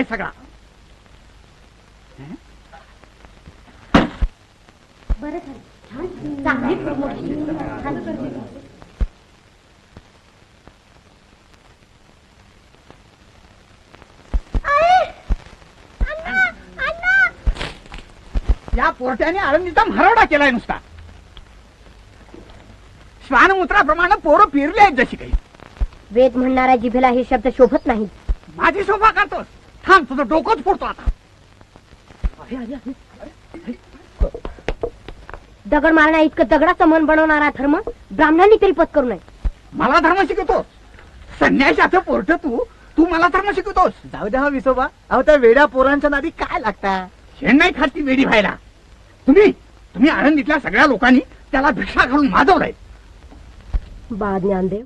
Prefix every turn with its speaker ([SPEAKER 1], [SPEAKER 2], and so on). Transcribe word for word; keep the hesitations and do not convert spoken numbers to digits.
[SPEAKER 1] आहे सगळा.
[SPEAKER 2] बरं झालं, छान चांगली प्रमोशन.
[SPEAKER 1] या पोरट्याने आळंदीचा मरवडा केलाय नुसता. श्वानमूत्राप्रमाणे पोरं फिरली आहेत जशी काही.
[SPEAKER 2] वेद म्हणणाऱ्या जिभेला हे शब्द शोभत नाही.
[SPEAKER 1] माझी शोभा करतोस? थांब, तुझं डोकंच फोडतो आता.
[SPEAKER 2] दगड मारण्या इतकं दगडाचं मन बनवणारा धर्म ब्राह्मणांनी तरी पत्करू नये.
[SPEAKER 1] मला धर्म शिकवतोस? संन्याशाचं पोरट तू तू मला धर्म शिकवतोस?
[SPEAKER 3] जाऊ द्या विसोबा, अहो त्या वेड्या पोरांच्या नादी काय लागता?
[SPEAKER 1] शेण नाही खाती वेडी व्हायला. तुम्ही तुम्ही आळंदीतल्या सगळ्या लोकांनी त्याला भिक्षा घालून माजवलंय.
[SPEAKER 2] बा ज्ञानदेव,